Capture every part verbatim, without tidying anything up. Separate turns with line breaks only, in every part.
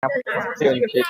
ครับเชิญคิด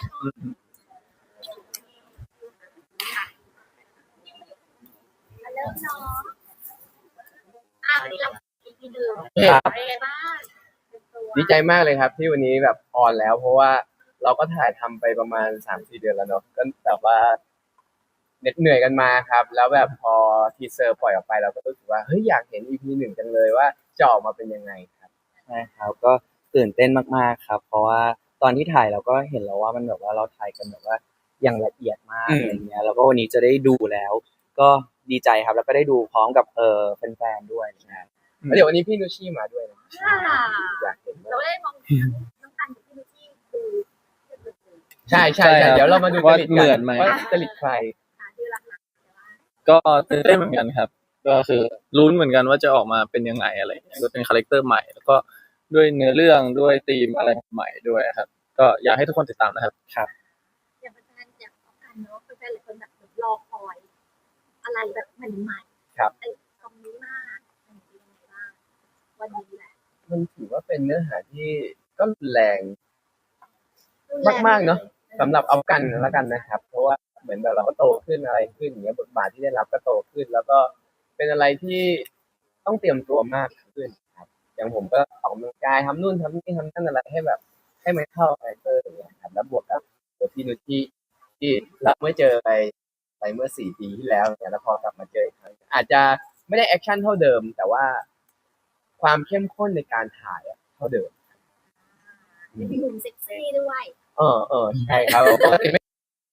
เริ่มเนาะอ่ะวันนี้เราอีพีหนึ่ง
ครับ
เป็นไงบ้าง
ดีใจมากเลยครับที่วันนี้แบบออนแล้ว เพราะว่าเราก็ถ่ายทำไปประมาณสามสี่เดือนแล้วเนาะก็แบบว่าเหน็ดเหนื่อยกันมาครับ แล้วแบบพอทีเซอร์ปล่อยออกไปเราก็รู้สึกว่าเฮ้ยอยากเห็น อี พี หนึ่งจังเลยว่าจะออกมาเป็นยังไงครับ
ใช่ครับก็ตื่นเต้นมากๆครับ เพราะว่าตอนที่ถ่ายเราก็เห็นแล้วว่ามันแบบว่าเราถ่ายกันแบบว่าอย่างละเอียดมาก
อืม
อะไรเงี้ยแล้วก็วันนี้จะได้ดูแล้ว ก็ดีใจครับแล้วก็ได้ดูพร้อมกับเออแฟนๆด้วยนะครับ
แล้วเดี๋ยววันนี้พี่นุชชี่มาด้วยนะ
อ่า
อยากเห็น
เรา
มาก
ได้มองน้องกันกับพี่ลูซี่คือ
ใช่ใช่
ใช่ครับ
เดี๋ยวเรามาดู
ว่า
จริต
เหมือนไหม
ว่าจริตใคร
หาชื่อหลัก
ก็ตื่นเต้นเหมือนกันครับ ก็คือลุ้นเหมือนกันว่าจะออกมาเป็นยังไงอะไรอย่างเงี้ยก็เป็นคาแรคเตอร์ใหม่แล้วก็ด้วยเนื้อเรื่องด้วยธีมอะไรใหม่ด้วยครับ ก็อยากให้ทุกคนติดตามนะครับ
ๆอย่างแฟนๆอยากเอากันเนาะแฟนๆหลายคนแบบรอคอย อะไรแบบใหม่ๆ
ครับ
ไอ้คำนี้มากเป็นยังไงบ้างวันนี้แหละ
มันถือว่าเป็นเนื้อหาที่ก็รุนแรงมากๆเนาะสำหรับเอากันแล้วกันนะครับ เพราะว่าเหมือนแบบเราก็โตขึ้นอะไรขึ้นอย่างเงี้ยบทบาทที่ได้รับก็โตขึ้น แล้วก็เป็นอะไรที่ต้องเตรียมตัวมากขึ้นครับ อย่างผมก็ออกกำลังกายทำนู่นทำนี่ทำนั่นอะไรให้แบบ ให้มันเข้าคาแรคเตอร์อย่างเงี้ยครับแล้วบวกกับตัวพี่นุชที่ที่เราไม่เจอไปไปเมื่อสี่ปีที่แล้วเนี่ยแล้วพอกลับมาเจออีกครั้งอาจจะไม่ได้แอคชั่นเท่าเดิม แต่ว่าความเข้มข้นในการถ่ายอะเท่าเดิม
มีหนุ่มเซ็กซี่ด้วย
เออเออใช่ครับปกติไม่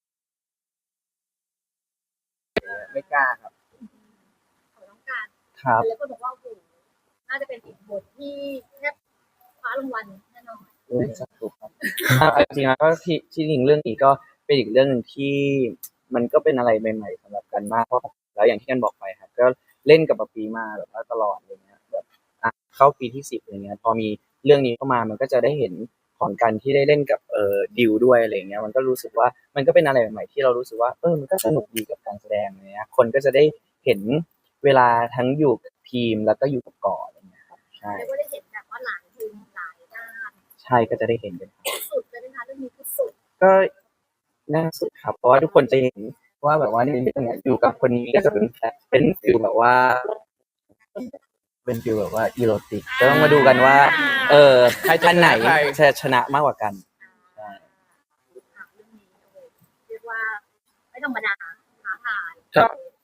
ไม่กล้าครับ
ของน้องการ
ครับ
แล้วก็บอกว่าโอ้โหน่าจะเป็นอีกบทที่แทบคว้ารางวัลแน่นอน
เออสนุกครับอ่ะจริงๆแล้วก็ที่ที่จริงเรื่องนี้ก็เป็นอีกเรื่องหนึ่งที่มันก็เป็นอะไรใหม่ๆสำหรับกันมากเพราะแล้วอย่างที่กันบอกไปครับก็เล่นกับปะปีมาแบบว่าตลอดอะไรเงี้ยแบบอ่ะเข้าปีที่สิบอะไรเงี้ยพอมีเรื่องนี้เข้ามามันก็จะได้เห็นของกันที่ได้เล่นกับเอ่อดิวด้วยอะไรเงี้ยมันก็รู้สึกว่ามันก็เป็นอะไรใหม่ๆที่เรารู้สึกว่าเออมันก็สนุกดีกับการแสดงอะไรเงี้ยคนก็จะได้เห็นเวลาทั้งอยู่กับทีมแล้วก็อยู่กับก่ออะไรเงี้ยครับใช่
เรียกว่าได้เห็นแบบว่าหลายมุมหลายด้าน
ใช่ก็จะได้เห็นกัน
สุดเลยนะคะเรื่องนี้คือสุด
ก็น่าสุดครับเพราะว่าทุกคนจะเห็นว่าแบบว่าในเรื่องเนี้ยอยู่กับคนนี้ก็จะเป็นเป็นฟิลแบบว่า เป็นฟิลแบบว่าอีโรติกก็ต้องมาดูกันว่า เออ
ใครจะ
ท่านไหน
ชนะใคร
จะชนะมากกว่ากันใช่
ค่ะเรื่องนี้โอ้โหเรียกว่าไม่ธรรมดาท้าทาย
ครับ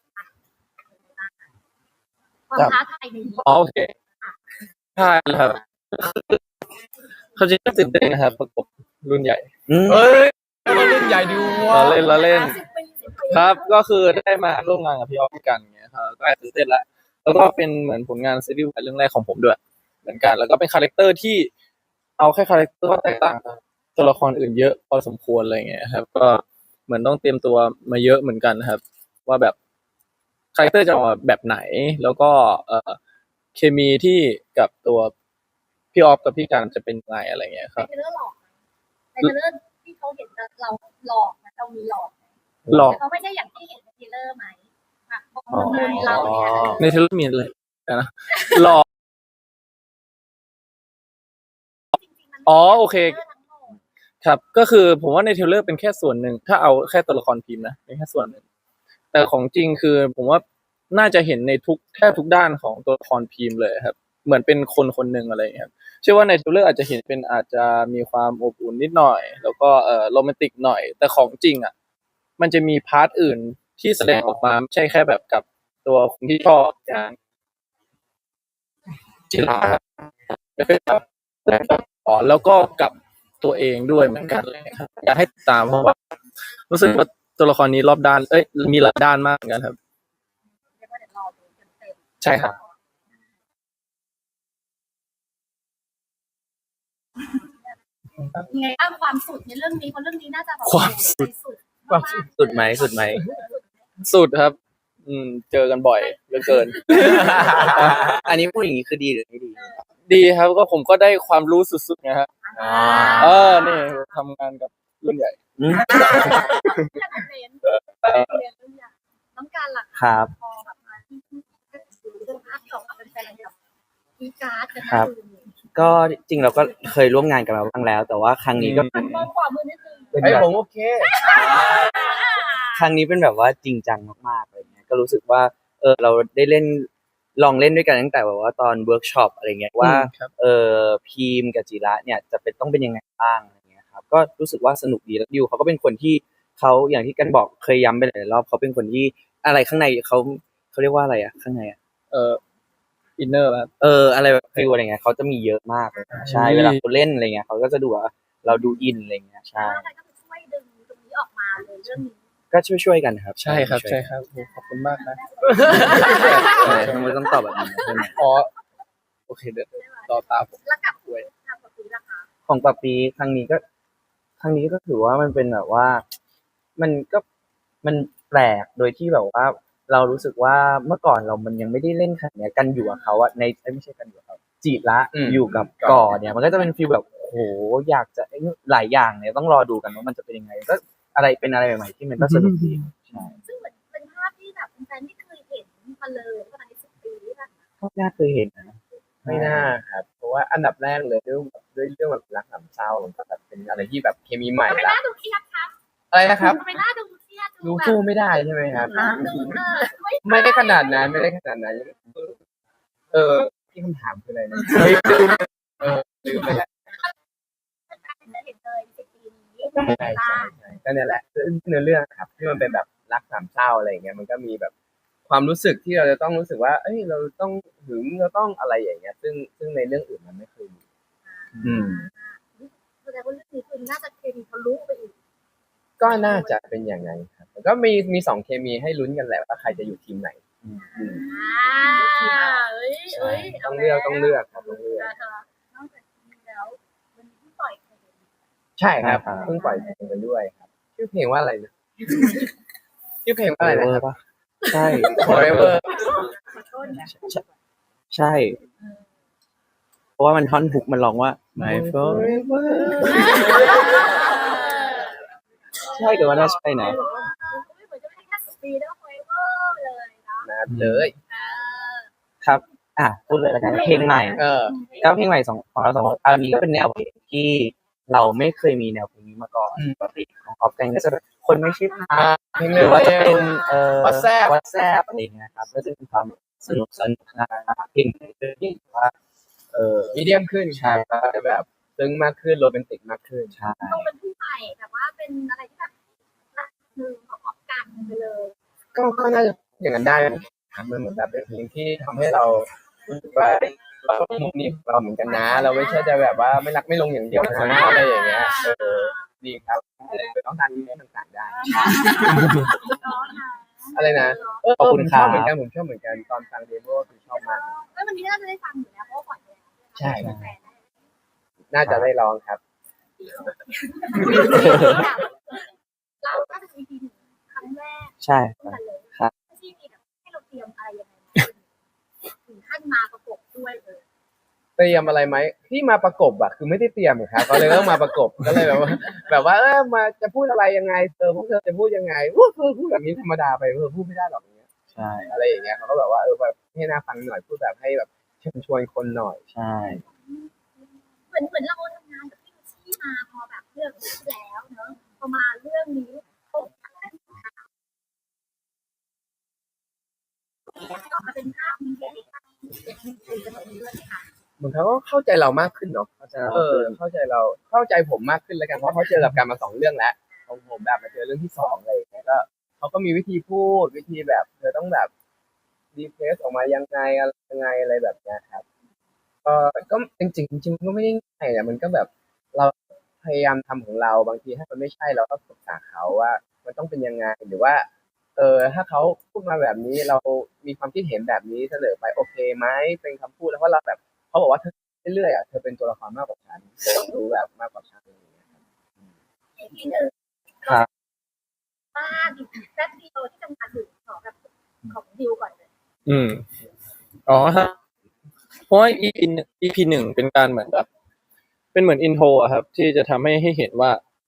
ความท้าทายในนี้
อ๋อโอเคใช่ครับเขาจริงก็ตื่นเต้นนะครับประกบรุ่นใหญ่
อืม
เฮ้ยมารุ่นใหญ่ดูว่า
เราเล่นเราเล่น
สิบปีสิบปี
ครับ ก็คือได้มาร่วมงานกับพี่ออฟกันเงี้ยครับก็แอบตื่นเต้นละแล้วก็เป็นเหมือนผลงานซีรีส์วายเรื่องแรกของผมด้วย เหมือนกัน แล้วก็เป็นคาแรคเตอร์ที่เอาแค่คาแรคเตอร์ก็แตกต่างจากตัวละครอื่นเยอะพอสมควรอะไรเงี้ยครับ ก็เหมือนต้องเตรียมตัวมาเยอะเหมือนกันนะครับ ว่าแบบคาแรคเตอร์จะออกมาแบบไหน แล้วก็เอ่อเคมีที่กับตัวพี่ออฟกับพี่การจะเป็นยังไงอะไรเงี้ยค
ใน
รับ
เทรลเลอร์หลอกในเทรลเลอร์ที่เขาเห็นเราหลอกนะเรามีหลอก
หลอก
แต่เขาไม่ใช่อย่างที่เห็นในเทรลเลอร์ไหมค่ะเพราะเขาเป็นเราเนี่ย
ในเทเลมีเลยนะหลอก
จริงๆมัน
อ๋อโอเค
ทรลลร์ทั้งหมด
ครับก็คือผมว่าในเทรลเลอร์เป็นแค่ส่วนหนึ่งถ้าเอาแค่ตัวละครพิมพ์นะเป็นแค่ส่วนหนึ่งแต่ของจริงคือผมว่าน่าจะเห็นในทุกแทบทุกด้านของตัวละครพิมพ์เลยครับเหมือนเป็นคนคนหนึ่งอะไรอย่างเงี้ยครับเชื่อว่าในเทรลเลอร์อาจจะเห็นเป็นอาจจะมีความอบอุ่นนิดหน่อย แล้วก็เอ่อโรแมนติกหน่อย แต่ของจริงอ่ะมันจะมีพาร์ทอื่นที่แสดงออกมาไม่ใช่แค่แบบกับตัวคนที่ชอบอย่างจิราแล้วก็กับอ๋อแล้วก็กับตัวเองด้วยเหมือนกันเลยครับอยากให้ติดตามเพราะว่ารู้สึกว่าตัวละครนี้รอบด้านเอ้ยมีหลายด้านมากเหมือนกันครับ
เรียกว่าเดี๋ยวรอดูเต็ม
ใช่ครับ
ๆยังไงบ้างความสุดในเรื่องนี้เพราะเรื่องนี้น่าจะแบบ
ความสุด
สุด
ความสุด
สุดไหมสุดไหม
สุดครับ อืม เจอกันบ่อยเหลือเกิน
อันนี้พูดอย่างนี้คือดีหรือไม่ดี
ดีครับก็ผมก็ได้ความรู้สุดๆนะฮะ
อ่า
เออนี่ทำงานกับรุ่นใหญ่
อืม
อยากเรียนเรียนเรื่องอย่างน้องการหลัก
ครับ
พอแบบมาที่ที่เรื่องภาพของเป็นแฟนแบบมีการ์ดกัน
ครับ
นะ
ก็จริงเราก็เคยร่วมงานกันมาบ้างแล้ว แต่ว่าครั้งนี้ก็
หันมองขวามือนิดนึง
เป็น
ไอ้ย
แบบ
ผมโอเค
ครั้งนี้เป็นแบบว่าจริงจังมากๆอะไรเงี้ยก็รู้สึกว่าเออเราได้เล่นลองเล่นด้วยกันตั้งแต่แบบว่าตอนเวิร์กช็อปอะไรเงี้ยว่า
ครับ
เออพีมกับจิระเนี่ยจะเป็นต้องเป็นยังไงบ้างอะไรเงี้ยครับก็รู้สึกว่าสนุกดีแล้วดิวเขาก็เป็นคนที่เขาอย่างที่กันบอกเคยย้ำไปหลายรอบเขาเป็นคนที่อะไรข้างในเขาเขาเรียกว่าอะไรอะข้างในอะ
เอ่ออินเนอร์ครับ
เอออะไรแบบฟิลอะไรเงี้ยเขาจะมีเยอะมากเลยนะใช่
อืม
เวลาเขาเล่นอะไรเงี้ยเขาก็จะดูว่าเราดูอินอะไรเงี้ยใช่
แล้วอะไรก็คือช่วยดึงตรงนี้ออกมาเลยเรื่องนี้
ก็ช่วยๆกันครับ
ใช่ครับ
ช่วย
ใช่ครับโอ้ขอบคุณมากนะ
ๆใช่ทำไมต้องตอบแบบนี้ใช่ไหม
อ๋อโอเคเดี๋ยวต่อตามผม
แล้วกับคุยกับกับคุยราคา
ของปาปีครั้งนี้ก็ ครั้งนี้ก็ถือว่ามันเป็นแบบว่า มันก็มันแปลกโดยที่แบบว่า เรารู้สึกว่าเมื่อก่อนเรามันยังไม่ได้เล่นขนาดเนี้ยกันอยู่กับเขาอะในเอ้ยไม่ใช่กันอยู่กับเขาจีบละ
อืม
อยู่กับก่อเนี่ย มันก็จะเป็นฟีลแบบโหอยากจะหลายอย่างเนี่ยต้องรอดูกันว่ามันจะเป็นยังไงก็อะไรเป็นอะไรใหม่ๆที่มันก็สนุกดีใช่
ซึ่งเหมือนเป็นภาพที่แบบแฟนๆไม่เคยเห็นมาเลยประมาณสิบปีที่ผ่านมา
ก็น่าเคยเห็นนะ
ไม่น่าครับ เพราะว่าอันดับแรกเลยด้วยด้วยเรื่องแบบรักสามเศร้ามันก็แบบเป็นอะไรที่แบบเคมีใหม่
ทำไมห
ละ
น้าดูเครียดคะ
อะไรนะครับ
ทำไมหน้าดูเครียด
รู้
แบบ
สู้ไม่ได้ใช่ไหมครับ
ดูเออไม่
ไม่ได้ขนาดนั้นไม่ได้ขนาดนั้น เออที่คำถามคืออะไรนะเออลืมไปแล้ว
จะเห็นเลยสิบปีนี้
ใช่ใช่ใช่ก็เนี่ยแหละเนื้อเรื่องครับที่มันเป็นแบบรักสามเศร้าอะไรอย่างเงี้ยมันก็มีแบบความรู้สึกที่เราจะต้องรู้สึกว่า เอ้ยเราต้องหึงเราต้องอะไรอย่างเงี้ย ซึ่งซึ่งในเรื่องอื่นมันไม่เคยมี อืม
แสดงว่าเรื่องนี้คือน่าจะเคมีทะลุไปอีก
ก็น่าจะเป็นอย่างนั้นครับแล้วก็มีมีสองเคมีให้ลุ้นกันแหละว่าใครจะอยู่ทีมไหน อืม
อ่าเอ้ย
ใช่
เอ้ย
ต้องเลือกต้องเลือกครับต้องเลือก
นอกจากนี้แล้วมันมีที่ปล่อยเพลง
ใช่ครับเพิ่งปล่อยเพลงกันด้วยครับชื่อเพลงว่าอะไรนะชื่อเพลงว่าอะไรนะครับ
ปะใช่
Forever
ขอโทษนะ
ใช่ เพราะว่ามันท่อนฮุกมันร้องว่า my forever ใช่แต่ว่าน่าใช่นะ
ไม่เหมือนจะไม่ได้แค่สิบปีแล้วก็ forever เลยเนาะ
นะเลย
เออ
ครับ อ่ะพูดเลยแล้วกันเพลงใหม่
เออ
แล้วเพลงใหม่สองของเราสองคนอันนี้ก็เป็นแนวเพลงที่เราไม่เคยมีแนวเพลงนี้มาก่อน
อืม
ปกติของออฟกันก็จะแบบคนไม่ใช่พา
เพลง
ห
เร็
รือ
ว
ว่าจะเป็นเอ่อ
WhatsApp
WhatsApp อะไรอย่างเงี้ยครับก็จะเป็นความสนุกสนุกนะเพลงที่ว่าเออ
มีเดียมขึ้นครับก็จะแบบซึ้งมากขึ้นโรแมนติกมากขึ้น
ใช่
ต้องเป็นผู้ใหม่แต่ว่าเป็นอะไรที่แบบรักหนึ่งของออกกันไปเลย
ก็ก็น่าจะอย่างนั้นได้ครับมันเหมือนแบบเป็นเพลงที่ทำให้เรารู้สึกว่าเราก็มุมนี้ของเราเหมือนกันนะ เราไม่ใช่จะแบบว่าไม่รักไม่ลงอย่างเดียวนะอะไรอย่างเงี้ยเออดีครับต้องทานเนื้อต่างๆได้ อะไรนะเออผมชอบเหมือนกันผมชอบเหมือนกันตอนฟังเดโมคือชอบมาก
แล้ววันนี้น่าจะได้ฟังอยู่แล้วเพราะว่าปล่อยไปแล้ว
ใช่
แฟนได้
น่าจะได้ร้องครับ
เราก็จะมีทีหนึ่งครั้งแรก
ใช่
ร่วมกันเลย
ครับ
ที่มีแบบให้เราเตรียมอะไรยังไงมาถึงขั้นมาประกบด้วยเลย
เตรียมอะไรไหมที่มาประกบอะคือไม่ได้เตรียมอะครับก็เลยต้องมาประกบก็เลยแบบว่า แบบว่าเออมาจะพูดอะไรยังไงเธอพวกเธอจะพูดยังไงอู้เธอพูดแบบนี้ธรรมดาไปเธอพูดไม่ได้หรอกอย่างเงี้ย
ใช่
อะไรอย่างเงี้ยเขาก็แบบว่าเออแบบให้น่าฟังหน่อยพูดแบบให้แบบเชิญชวนคนหน่อย
ใช่
เหมือนเหมือนเราทำงานกับพี่ลูซี่มาพอแบบเรื่องที่แล้วเนอะพอมาเรื่องนี้เขาออกมาเป็นภาพมีเด็กเป็นจำนวนด้วยค่ะ
เหมือนเขาก็เข้าใจเรามากขึ้นเนาะ
ก็จะ
เออเข้าใจเราเข้าใจผมมากขึ้นแล้วกันเพราะเขาเจอกับการมาสองเรื่องแล้วของผมแบบมาเจอเรื่องที่สองอะไรอย่างเงี้ยก็เขาก็มีวิธีพูดวิธีแบบเธอต้องแบบดีเพรสออกมายังไงอะไรยังไงอะไรแบบเนี้ยครับก็ก็จริงๆจริงๆก็ไม่ได้ง่ายอะมันก็แบบเราพยายามทำของเราบางทีถ้ามันไม่ใช่เราก็ปรึกษาเขาว่า มันต้องเป็นยังไงหรือว่า เออถ้าเขาพูดมาแบบนี้เรามีความคิดเห็นแบบนี้เสนอไปโอเคไหมเป็นคำพูดแล้วเพราะเราแบบเขาบอกว่าเธอเรื่อยๆอ่ะเธอเป็นตัวละครมากกว่าฉันเธอรู้แบบมากกว่าฉันอะไรอย่างเงี้ยครับ
อีกทีหนึ่ง
ครับ
บ้านอีกแป๊บเดียวที่จะมาถึงของแบบของดิวก่อนเลย
อืมอ๋อฮะเพราะว่า อี พี หนึ่ง อี พี หนึ่งเป็นการเหมือนแบบเป็นเหมือนอินโทรอะครับ ที่จะทำให้ให้เห็นว่า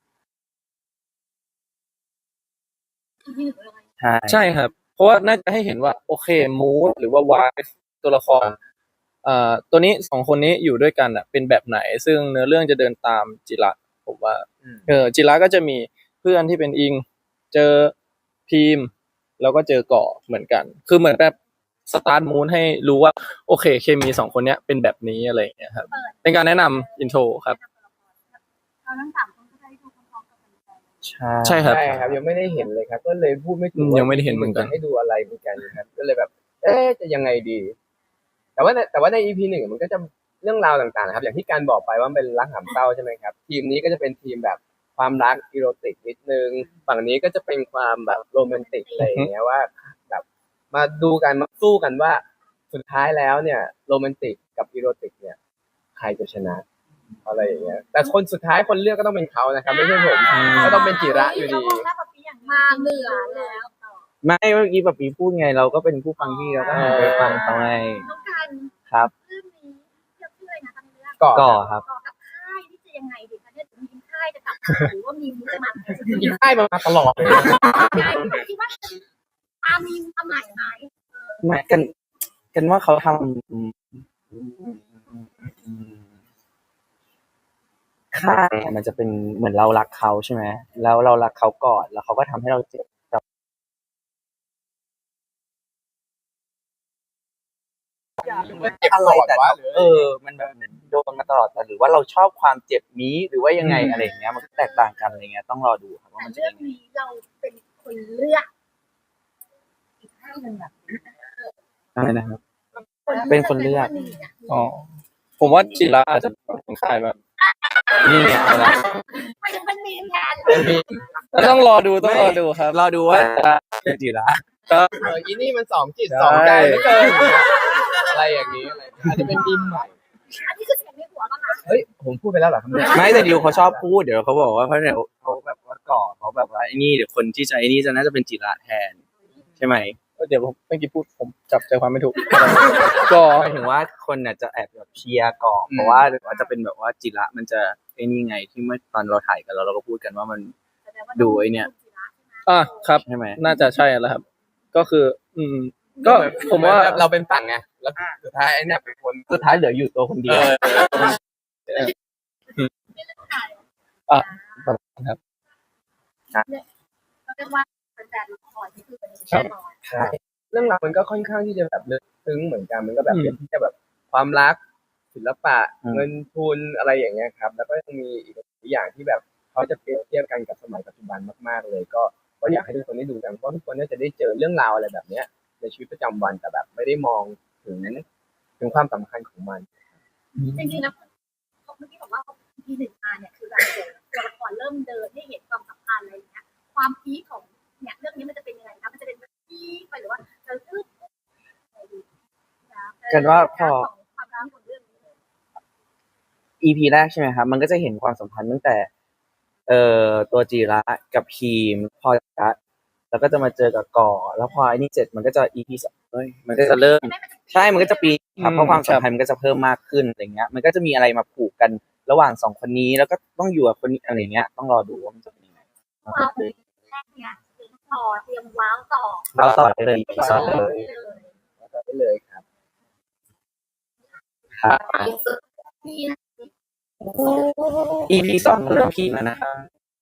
อีกทีหนึ่งเลย
ใช่
ใช่ครับ เพราะว่าน่าจะให้เห็นว่า โอเคมูดหรือว่าวายตัวละครอ่าตัวนี้สองคนนี้อยู่ด้วยกันอ่ะเป็นแบบไหน ซึ่งเนื้อเรื่องจะเดินตามจิระผมว่า
อืม
เออจิระก็จะมีเพื่อนที่เป็นอิง เจอพีมแล้วก็เจอก่อเหมือนกัน คือเหมือนแบบสตาร์ทมูนให้รู้ว่าโอเคเคมีสองคนเนี้ยเป็นแบบนี้อะไรอย่างเงี้ยครับ เป็นการแนะนำอินโทรครับ
เราทั้งสามคนก็ได้ดูพร้อมๆกันเลย
ใช่
ใช่ครับ
ใช่ครับยังไม่ได้เห็นเลยครับ ก็เลยพูดไม่ถูก
อืม
ว่า
ยังไม่ได้เห็นเหมือนกัน
จะให้ดูอะไรเหมือนกันครับ ก็เลยแบบ เอ๊ะจะยังไงดี แต่ว่าในแต่ว่าใน อี พี หนึ่งมันก็จะเรื่องราวต่างๆนะครับ อย่างที่การบอกไปว่ามันเป็นรักหามเศร้าใช่ไหมครับ ทีมนี้ก็จะเป็นทีมแบบความรักอีโรติกนิดนึงฝั่งนี้ก็จะเป็นความแบบโรแมนติกอะไรอย่างเงี้ยว่าแบบมาดูกันมาสู้กันว่าสุดท้ายแล้วเนี่ยโรแมนติกกับอีโรติกเนี่ยใครจะชนะอะไรอย่างเงี้ยแต่คนสุดท้ายคนเลือกก็ต้องเป็นเขานะครับไม่ใช่ผมก็ต้องเป็นจิระอยู่ดี
มาเหนือแล้ว
ไม่เมื่อกี้แบบปีพูดไงเราก็เป็นผู้ฟังที่เราก็หันไปฟังเขาไง
ต้องการ
ครับ
เรื่องนี้เรื่องชื่ออะไรนะตอนนี้เรื่อง
ก่อน
ก่อครับ
ต่อกับค่ายที่จะยังไงดีคะเนี่ยมีค่ายจะกลับหรือว่ามีมุกจะมา
ยิงค่ายมาตลอดเลย
ค่ายคิดว่าอามีความหมายไหม
หมายกันกันว่าเขาทำอืมค่าเนี่ยมันจะเป็นเหมือนเรารักเขาใช่ไหมแล้วเรารักเขาก่อนแล้วเขาก็ทำให้เราเจ็บกับอะไรแต่เออ มันแบบโดนมาตลอดแต่หรือว่าเราชอบความเจ็บนี้หรือว่ายังไงอะไรอย่างเงี้ยมันก็แตกต่างกันอะไรเงี้ยต้องรอดูครับว่า
แต่
มันจะ
เรื่อ
ยัง งไง
นี้เราเป็นคนเลือกอีกค่ายหนึ่งแบบ
อะไรนะครับ เป็นคนเลือก
อ๋อผมว่าจิระอาจจะเป็นขายแบบ
นี่ไงอะไร
มันจะเป็นมีแทน
ต้องรอดูต้องรอดูครับ
รอดูว่าเป็นจีระ
ก็
เอออีนี่มันสองจิตสองใจเหลือเกินอะไรอย่างนี้อะไรอาจจะเป็นทีมใหม่
อันนี้คือเสียงในหัวป่ะคะ
เฮ้ยผมพูดไปแล้วเหรอครับเนี่ย
ไม่แต่ดิวเขาชอบพูดเดี๋ยวเขาบอกว่าเขาเดี๋ยวเขาแบบว่าก่อเขาแบบว่าไอ้นี่เดี๋ยวคนที่ใช้ไอ้นี่จะน่าจะเป็นจิระแทน ใช่ไหม
เดี๋ยวผมเมื่อกี้พูดผมจับใจความไม่ถูก ก็
หมายถึงว่าคนน่ะจะแอบแบบเชียร์ก่อเพราะว่าเดี๋ยวว่าจะเป็นแบบว่าจิระมันจะไอ้นี่ไงที่เมื่อตอนเราถ่ายกันเราเราก็พูดกันว่ามัน ดูไอ้เนี่ย
อ่ะครับ
ใช่ไหม
น่าจะใช่แล้วครับ ก็คือ อืม ก็ผมว่า
เราเป็นฝั่งไงแล้วสุดท้ายไอ้เนี่ยเป็นคน
สุดท้ายเหลืออยู่ตัวคนเดียว
อ่ะครับ
เรียกว่าแฟนละครที่คือเป็นแน่นอน
ใช่เรื่องราวมันก็ค่อนข้างที่จะแบบลึกซึ้งเหมือนกันมันก็แบบ
อืม
เป็นที่จะแบบความรักศิลปะ
อืม
เงินทุนอะไรอย่างเงี้ยครับ แล้วก็ยังมีอีกหลายอย่างที่แบบเขาจะเปรียบเทียบกันกับสมัยปัจจุบันมากๆเลย ก็ก็อยากให้ทุกคนได้ดูกันเพราะทุกคนน่าจะได้เจอเรื่องราวอะไรแบบเนี้ยในชีวิตประจำวันแต่แบบไม่ได้มองถึงถึงความสำคัญของมัน
จริงๆแล้วเมื่อกี้บอกว่าทีหนึ่งมาเนี่ยคือแบบตัวละครเริ่มเดินให้เห็นความสัมพันธ์อะไรอย่างเงี้ยความพีคของเนี่ยเรื่องนี้มันจะเป็นยังไงคะมันจะเป็นพีคไปหรือว่าจะอึดอะไรดีนะ
กันว่าพอ
ความรักของเรื่องนี้
อี พี แรกใช่ไหมครับ มันก็จะเห็นความสัมพันธ์ตั้งแต่ เอ่อตัวจีระกับพีมพอจะแล้วก็จะมาเจอกับก่อ แล้วพอไอ้นี่เสร็จมันก็จะ อี พี สองเอ้ยมันก็จะเริ่ม ใช่ มันก็จะปีครับเพราะความสัมพันธ์มันก็จะเพิ่มมากขึ้นอะไรเงี้ย มันก็จะมีอะไรมาผูกกันระหว่างสองคนนี้ แล้วก็ต้องอยู่กับคนนี้อะไรเงี้ย ต้องรอดูว่ามันจะเป็นยังไง
ว้าวแรกเนี่ยเตรียมต่อเตรียมว้าวต่อ
เราต่อได้เลย อี พี สอง
เลย
ได้เลยครับ
ครับ
นี่
อี พี สองเริ่มพีคแล้วนะครับ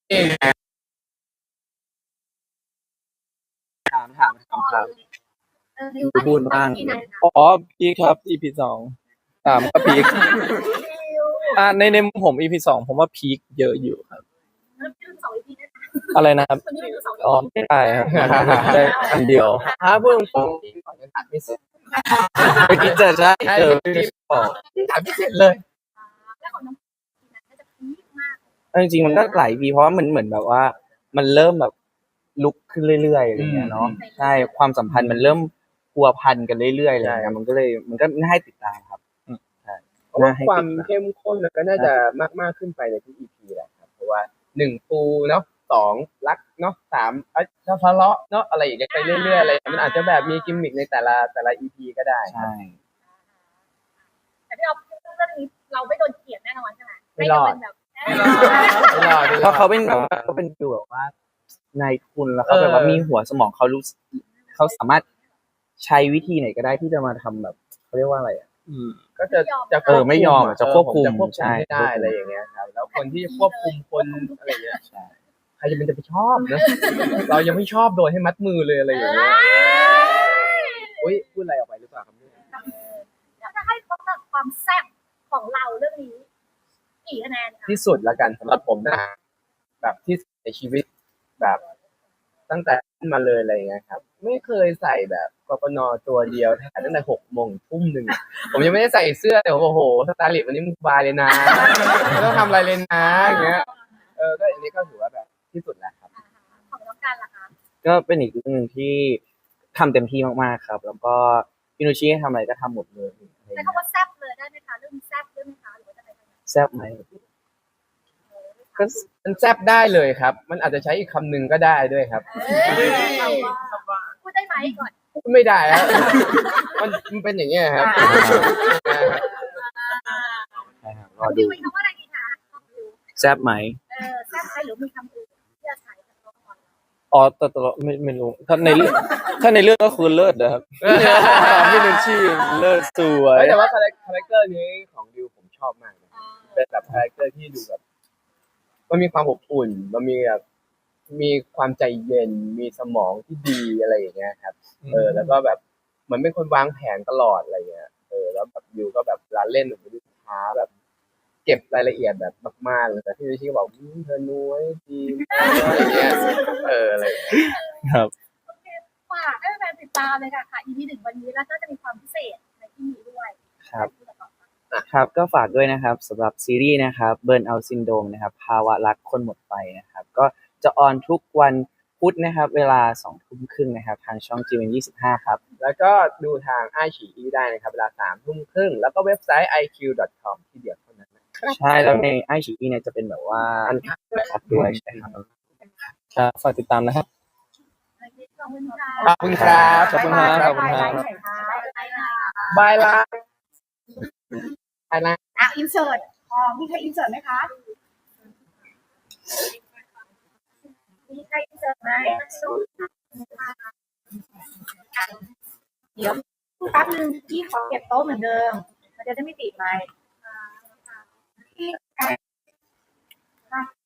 ถามถามถามถาม พูดบ้าง
อ๋อพีคครับ อี พี สองสามก็พีคอ่ะในในมุมผม อี พี สองผมว่าพีคเยอะอยู่ครับ อะไรนะครับ อ๋อไม่ได้ครับ ได้อันเดียว
ถ้าพูดตรงๆที่ก่อนจะตัดไม่เสร็จ
เมื่อกี้เจอใช่เจอพี่บอก
ตัดไม่เสร็จเลย
แล้วของน้องน่าจะพีคมาก
เอาจริงๆมันก็หลายปีเพราะว่ามันเหมือนแบบว่า มันเริ่มแบบลุกขึ้นเรื่อยๆอะไรเงี้ยเนาะใช่ความสัมพันธ์มันเริ่มพัวพันกันเรื่อยๆอะไรเงี้ยมันก็เลยมันก็น่าให้ติดตามครับใช่
เพราะว่า
น่าให้
ความ
ติดตาม
เข้มข้นมันก็น่าจะมากมากขึ้นไปในทุก อี พี แหละครับเพราะว่าหนึ่งปูเนาะสองรักเนาะสามเอ้ยทะเลาะเนาะอะไรอย่างเงี้ยไปเรื่อยๆอะไรมันอาจจะแบบมีกิมมิคในแต่ละแต่ละ อี พี ก็ได้
ใช่
แต่ที่เราเรื่องนี้เราไม่โดนเกลียดแน่นอนใช่ไหม
ไม่รอด
แบบ
ไม่รอดไม่รอด
เพราะเขาเป็นแบบว่าเขาเป็นดูแบบว่านายทุนแล้วเขาแบบว่ามีหัวสมองเขารู้เขาสามารถใช้วิธีไหนก็ได้ที่จะมาทำแบบเขาเรียกว่าอะไรอ่ะ
อืม
ก็จะจะ
เออไม่ยอมอะจะควบคุม
จะควบคุม
ใช่
ไม่ได้อะไรอย่างเงี้ยครับแล้วคนที่จะควบคุมคนอะไรเงี้ยใครจะเป็นจะไปชอบนะ เรายังไม่ชอบโดนให้มัดมือเลยอะไรอย่างเงี้ยอุ้ยพูดอะไรออกไปหรือเปล่าครับเนี่ย
แล้วจะให้ความแบบความแซ่บของเราเรื่องนี้กี่คะแนนคะ
ที่สุดละกันสำหรับผมนะแบบที่สุดในชีวิตแบบตั้งแต่ขึ้นมาเลยอะไรอย่างเงี้ยครับ ไม่เคยใส่แบบกปนตัวเดียวถ่ายตั้งแต่หกโมงทุ่มหนึ่งผมยังไม่ได้ใส่เสื้อแต่โอ้โหสไตลิสต์วันนี้มึงสบายเลยนะไม่ต้องทำอะไรเลยนะอย่างเงี้ยเออก็อันนี้ก็ถือว่าแบบที่สุดแล้วครับ
ของน้องการล่ะคะ
ก็เป็นอีกเรื่องหนึ่งที่ทำเต็มที่มากๆครับ แล้วก็พี่นุชชี่ให้ทำอะไรก็ทำหมดเลยอะไร
ใช้
เงี้ย
คำว่าแซ่บเลยได้ไหมคะเรื่องแซ่บด้วยไหมคะหรือว่าจะไปทางไหน
แซ่บไหม
ก็มันแซบได้เลยครับ มันอาจจะใช้อีกคำหนึ่งก็ได้ด้วยครับ
เอ้ยพูดได้ไหมก่อน
พูดไม่ได้แล้ว มันมันเป็นอย่างเงี้ยครับ
ใช่ครับร
น้
อ
อง
ดู
ดิวมีคำว่าอะไรดีคะน้องดิว
แซ่บไหม
เออแซ่บไหมหรือมีคำอื่นที่จะใช้กับน้องก่อน
อ๋อแต่แต่ไม่ไม่รู้ถ้าในเรื่องถ้าในเรื่องก็คือเลิศนะครับ พี่นุชชี่เลิศสวย
เฮ้ยแต่ว่าคาแรคคาแรคเตอร์นี้ของดิวผมชอบมากเลยเป็นแบบคาแรคเตอร์ที่ดูแบบมันมีความอบอุ่น มันมีแบบมีความใจเย็น มีสมองที่ดีอะไรอย่างเงี้ยครับ เออ แล้วก็แบบเหมือนเป็นคนวางแผนตลอดอะไรเงี้ย เออ แล้วแบบดิวก็แบบเวลาเล่นแบบดูช้าแบบ เก็บรายละเอียดแบบมากๆเลยแต่พี่วิชิก็บอกอืมเธอนุ้ยดีอะไรเงี้ยเอออะไร
ครับ
โอเคฝากให้แฟนๆติดตามเลยค่ะค่ะ อี พี หนึ่งวันนี้แล้วก็จะมีความพิเศษในที่นี้ด้วย
ครับ ครับก็ฝากด้วยนะครับสำหรับซีรีส์นะครับเบิร์นเอาซินโดมนะครับภาวะรักคนหมดไปนะครับ ก็จะออนทุกวันพุธนะครับ เวลาสองทุ่มครึ่งนะครับ ทางช่อง จี เอ็ม ยี่สิบห้าครับ
แล้วก็ดูทางไอฉีอีได้นะครับ เวลาสามทุ่มครึ่งแล้วก็เว็บไซต์ ไอ คิว ดอท คอม ที่เดียวเท่านั้นนะครับ
ใช่แล้วในไอชีเนี่ยจะเป็นแบบว่า
อันคัดด้วย
คัดด้วยใช่ครับ
ครับฝากติดตามนะครับ
ขอบคุณค่ะ
ขอบคุณครับ
ขอบคุณครับขอบคุณครับ
บายละบายละ
อ่ะอินเสิร์ตพอมีใครอินเสิร์ตไหมคะมีใครอินเสิร์ตไหมเดี๋ยวแป๊บนึงพี่ขอเก็บโต๊ะเหมือนเดิมมันจะได้ไม่ติดไมค์